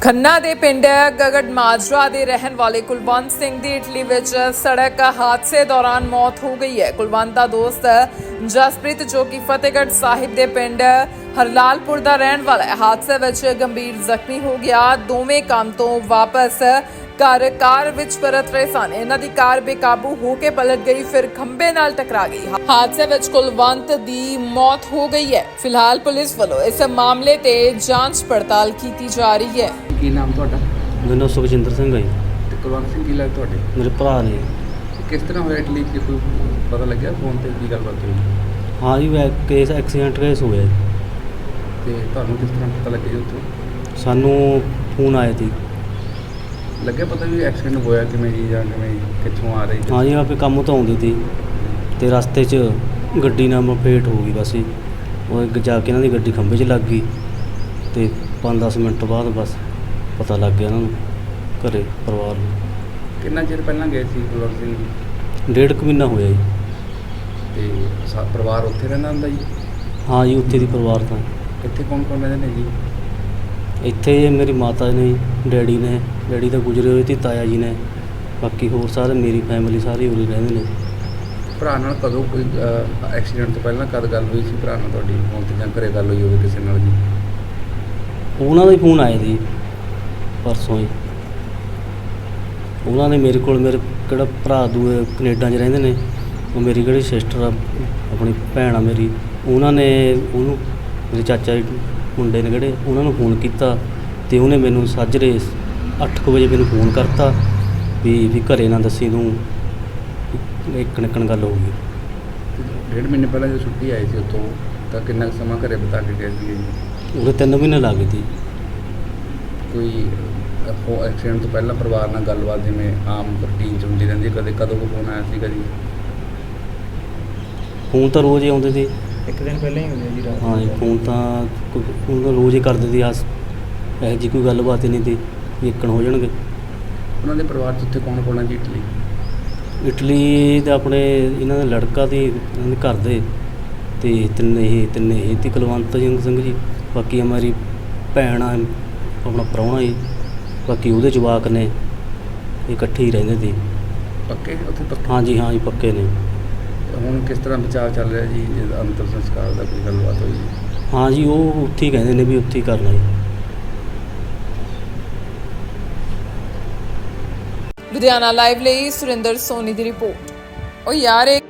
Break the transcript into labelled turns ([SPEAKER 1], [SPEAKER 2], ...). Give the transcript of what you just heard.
[SPEAKER 1] ਖੰਨਾ ਦੇ ਪਿੰਡ ਗਗੜ ਮਾਜਰਾ ਦੇ ਰਹਿਣ ਵਾਲੇ ਕੁਲਵੰਤ ਸਿੰਘ ਦੀ ਇਟਲੀ ਵਿੱਚ ਸੜਕ ਹਾਦਸੇ ਦੌਰਾਨ ਮੌਤ ਹੋ ਗਈ ਹੈ। ਕੁਲਵੰਤ ਦਾ ਦੋਸਤ ਜਸਪ੍ਰੀਤ ਜੋ ਕਿ ਫਤਿਹਗੜ੍ਹ ਸਾਹਿਬ ਦੇ ਪਿੰਡ ਹਰਲਾਲਪੁਰ ਦਾ ਰਹਿਣ ਵਾਲਾ ਹੈ, ਹਾਦਸੇ ਵਿੱਚ ਗੰਭੀਰ ਜ਼ਖਮੀ ਹੋ ਗਿਆ। ਦੋਵੇਂ ਕੰਮ ਤੋਂ ਵਾਪਸ ਘਰ ਕਾਰ ਵਿੱਚ ਪਰਤ ਰਹੇ ਸਨ। ਇਹਨਾਂ ਦੀ ਕਾਰ ਬੇਕਾਬੂ ਹੋ ਕੇ ਪਲਟ ਗਈ, ਫਿਰ ਖੰਭੇ ਨਾਲ ਟਕਰਾ ਗਈ। ਹਾਦਸੇ ਵਿੱਚ ਕੁਲਵੰਤ ਦੀ ਮੌਤ ਹੋ ਗਈ ਹੈ। ਫਿਲਹਾਲ ਪੁਲਿਸ ਵੱਲੋਂ ਇਸ ਮਾਮਲੇ ਤੇ ਜਾਂਚ ਪੜਤਾਲ ਕੀਤੀ ਜਾ ਰਹੀ ਹੈ।
[SPEAKER 2] ਕੀ ਨਾਮ ਤੁਹਾਡਾ?
[SPEAKER 3] ਮੇਰਾ ਨਾਮ ਸੁਖਜਿੰਦਰ ਸਿੰਘ ਹੈ ਜੀ।
[SPEAKER 2] ਤੇ ਕੁਲਵੰਤ ਸਿੰਘ ਕੀ ਲੱਗਦਾ ਤੁਹਾਡੇ?
[SPEAKER 3] ਮੇਰੇ ਭਰਾ ਨੇ।
[SPEAKER 2] ਤੇ ਕਿਸ ਤਰ੍ਹਾਂ ਹੋਇਆ ਇਟਲੀ 'ਚ? ਕੋਈ ਪਤਾ ਲੱਗਿਆ ਫੋਨ ਤੇ ਕੀ ਗੱਲਬਾਤ ਹੋਈ?
[SPEAKER 3] ਹਾਂ ਜੀ, ਕੇਸ ਐਕਸੀਡੈਂਟ ਕੇਸ ਹੋਇਆ ਜੀ।
[SPEAKER 2] ਤੇ ਤੁਹਾਨੂੰ ਕਿਸ ਤਰ੍ਹਾਂ ਪਤਾ ਲੱਗਿਆ ਉੱਥੋਂ?
[SPEAKER 3] ਸਾਨੂੰ ਫੋਨ ਆਇਆ ਸੀ।
[SPEAKER 2] ਲੱਗਿਆ ਪਤਾ ਵੀ ਐਕਸੀਡੈਂਟ ਹੋਇਆ ਕਿਵੇਂ ਜੀ, ਜਾਂ ਕਿਵੇਂ ਕਿੱਥੋਂ ਆ ਰਹੀ?
[SPEAKER 3] ਹਾਂ ਜੀ, ਆਪੇ ਕੰਮ ਤੋਂ ਆਉਂਦੀ ਸੀ ਤੇ ਰਸਤੇ 'ਚ ਗੱਡੀ ਨਾਲ ਮਪੇਟ ਹੋ ਗਈ। ਬਸ ਜੀ ਉਹ ਜਾ ਕੇ ਇਹਨਾਂ ਦੀ ਗੱਡੀ ਖੰਭੇ 'ਚ ਲੱਗ ਗਈ ਤੇ 5-10 ਮਿੰਟ ਬਾਅਦ ਬਸ ਪਤਾ ਲੱਗ ਗਿਆ ਇਹਨਾਂ ਨੂੰ, ਘਰੇ ਪਰਿਵਾਰ ਨੂੰ।
[SPEAKER 2] ਕਿੰਨਾ ਚਿਰ ਪਹਿਲਾਂ ਗਏ ਸੀ ਕੁਲਵੰਤ ਸਿੰਘ ਜੀ?
[SPEAKER 3] 1.5 ਮਹੀਨਾ ਹੋਇਆ ਜੀ।
[SPEAKER 2] ਤੇ ਪਰਿਵਾਰ ਉੱਥੇ ਰਹਿੰਦਾ ਹੁੰਦਾ ਜੀ?
[SPEAKER 3] ਹਾਂ ਜੀ, ਉੱਥੇ ਦੀ ਪਰਿਵਾਰ ਤਾਂ
[SPEAKER 2] ਇੱਥੇ ਕੌਣ ਕੌਣ ਰਹਿੰਦੇ ਨੇ ਜੀ?
[SPEAKER 3] ਇੱਥੇ ਮੇਰੀ ਮਾਤਾ ਨੇ, ਡੈਡੀ ਨੇ, ਡੈਡੀ ਤਾਂ ਗੁਜ਼ਰੇ ਹੋਏ ਤੇ ਤਾਇਆ ਜੀ ਨੇ, ਬਾਕੀ ਹੋਰ ਸਾਰੇ ਮੇਰੀ ਫੈਮਿਲੀ ਸਾਰੀ ਉਰੇ ਰਹਿੰਦੇ ਨੇ।
[SPEAKER 2] ਭਰਾ ਨਾਲ ਕਦੋਂ ਕੋਈ ਐਕਸੀਡੈਂਟ ਤੋਂ ਪਹਿਲਾਂ ਕਦ ਗੱਲ ਹੋਈ ਸੀ ਭਰਾ ਨਾਲ ਤੁਹਾਡੀ? ਫੋਨ ਤੇ ਜਾਂ ਘਰੇ ਗੱਲ ਹੋਈ ਹੋਵੇ ਕਿਸੇ ਨਾਲ ਜੀ?
[SPEAKER 3] ਉਹਨਾਂ ਦਾ ਹੀ ਫੋਨ ਆਇਆ ਸੀ ਪਰਸੋਂ ਹੀ। ਉਹਨਾਂ ਨੇ ਮੇਰੇ ਕੋਲ, ਮੇਰੇ ਕਿਹੜਾ ਭਰਾ ਦੂਏ ਕੈਨੇਡਾ 'ਚ ਰਹਿੰਦੇ ਨੇ, ਉਹ ਮੇਰੀ ਕਿਹੜੀ ਸਿਸਟਰ ਆ, ਆਪਣੀ ਭੈਣ ਆ ਮੇਰੀ, ਉਹਨਾਂ ਨੇ ਉਹਨੂੰ, ਮੇਰੇ ਚਾਚਾ ਜੀ ਮੁੰਡੇ ਨੇ ਕਿਹੜੇ, ਉਹਨਾਂ ਨੂੰ ਫੋਨ ਕੀਤਾ ਤੇ ਉਹਨੇ ਮੈਨੂੰ ਸਾਜਰੇ 8 ਵਜੇ ਮੈਨੂੰ ਫੋਨ ਕਰਤਾ ਵੀ ਘਰੇ ਨਾ ਦੱਸੀ ਤੂੰ, ਇੱਕ ਨਿਕਣ ਗੱਲ ਹੋ ਗਈ।
[SPEAKER 2] 1.5 ਮਹੀਨੇ ਪਹਿਲਾਂ ਜਦੋਂ ਛੁੱਟੀ ਆਈ ਸੀ ਉੱਥੋਂ, ਤਾਂ ਕਿੰਨਾ ਕੁ ਸਮਾਂ ਘਰੇ ਬਿਤਾ ਕੇ ਗਏ ਸੀਗੇ ਜੀ?
[SPEAKER 3] ਉਹਦੇ 3 ਮਹੀਨੇ ਲੱਗ ਗਏ ਸੀ।
[SPEAKER 2] ਕੋਈ ਐਕਸੀਡੈਂਟ ਤੋਂ ਪਹਿਲਾਂ ਪਰਿਵਾਰ ਨਾਲ ਗੱਲਬਾਤ ਜਿਵੇਂ ਆਮ ਰੂਟੀਨ 'ਚ ਹੁੰਦੀ ਰਹਿੰਦੀ, ਕਦੇ ਕਦੋਂ ਕੋ ਫੋਨ ਆਇਆ ਸੀਗਾ ਜੀ?
[SPEAKER 3] ਫੋਨ ਤਾਂ ਰੋਜ਼ ਹੀ ਆਉਂਦੇ ਸੀ।
[SPEAKER 2] ਇੱਕ ਦਿਨ ਪਹਿਲਾਂ ਹੀ ਹੁੰਦੇ ਜੀ ਰਾਤ?
[SPEAKER 3] ਹਾਂ ਜੀ, ਫੋਨ ਤਾਂ ਰੋਜ਼ ਹੀ ਕਰਦੇ ਸੀ। ਆਸ ਇਹੋ ਜਿਹੀ ਕੋਈ ਗੱਲਬਾਤ ਹੀ ਨਹੀਂ ਸੀ ਵੀ ਇੱਕਣ ਹੋ ਜਾਣਗੇ।
[SPEAKER 2] ਉਹਨਾਂ ਦੇ ਪਰਿਵਾਰ 'ਚ ਉੱਥੇ ਕੌਣ ਕੌਣ ਹੈ ਜੀ ਇਟਲੀ?
[SPEAKER 3] ਇਟਲੀ ਦੇ ਆਪਣੇ ਇਹਨਾਂ ਦਾ ਲੜਕਾ ਤੇ ਇਹਨਾਂ ਦੇ ਘਰ ਦੇ ਤੇ ਤਿੰਨੇ ਹੀ ਤੇ ਕੁਲਵੰਤ ਸਿੰਘ ਜੀ, ਬਾਕੀ ਮੇਰੀ ਭੈਣ ਆ, ਆਪਣਾ ਪ੍ਰਾਹੁਣਾ ਜੀ, ਬਾਕੀ ਉਹਦੇ ਜਵਾਕ ਨੇ, ਇਕੱਠੇ ਹੀ ਰਹਿੰਦੇ ਸੀ।
[SPEAKER 2] ਪੱਕੇ ਉੱਥੇ ਪੱਕੇ?
[SPEAKER 3] ਹਾਂ ਜੀ ਪੱਕੇ ਨੇ।
[SPEAKER 2] ਹੁਣ ਕਿਸ ਤਰ੍ਹਾਂ ਬਚਾਅ ਚੱਲ ਰਿਹਾ ਜੀ? ਅੰਤਿਮ ਸੰਸਕਾਰ ਦਾ ਕੋਈ ਗੱਲਬਾਤ ਹੋਈ ਜੀ?
[SPEAKER 3] ਹਾਂ ਜੀ, ਉਹ ਉੱਥੇ ਹੀ ਕਹਿੰਦੇ ਨੇ ਵੀ ਉੱਥੇ ਹੀ ਕਰਨਾ ਜੀ।
[SPEAKER 1] ਲੁਧਿਆਣਾ ਲਾਈਵ ਲਈ ਸੁਰਿੰਦਰ ਸੋਨੀ ਦੀ ਰਿਪੋਰਟ। ਉਹ ਯਾਰ